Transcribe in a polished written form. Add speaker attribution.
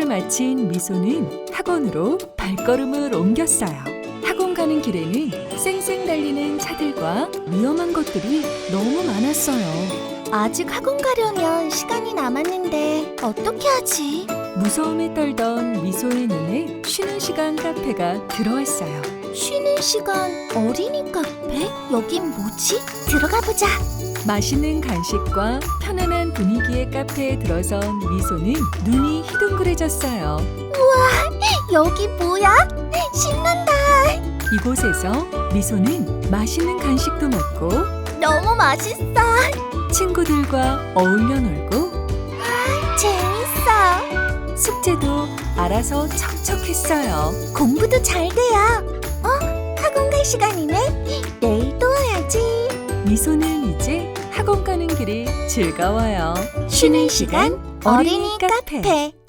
Speaker 1: 학교를 마친 미소는 학원으로 발걸음을 옮겼어요. 학원 가는 길에는 쌩쌩 달리는 차들과 위험한 것들이 너무 많았어요.
Speaker 2: 아직 학원 가려면 시간이 남았는데 어떻게 하지?
Speaker 1: 무서움에 떨던 미소의 눈에 쉬는 시간 카페가 들어왔어요.
Speaker 2: 쉬는 시간 어린이 카페? 여긴 뭐지? 들어가 보자.
Speaker 1: 맛있는 간식과 편안한 분위기의 카페에 들어선 미소는 눈이 희둥그레졌어요.
Speaker 2: 여기 뭐야? 신난다.
Speaker 1: 이곳에서 미소는 맛있는 간식도 먹고
Speaker 2: 너무 맛있어.
Speaker 1: 친구들과 어울려 놀고
Speaker 2: 재밌어.
Speaker 1: 숙제도 알아서 척척했어요.
Speaker 2: 공부도 잘 돼요. 학원 갈 시간이네. 내일 또 와야지.
Speaker 1: 미소는 이제 학원 가는 길이 즐거워요.
Speaker 2: 쉬는 시간 어린이 카페.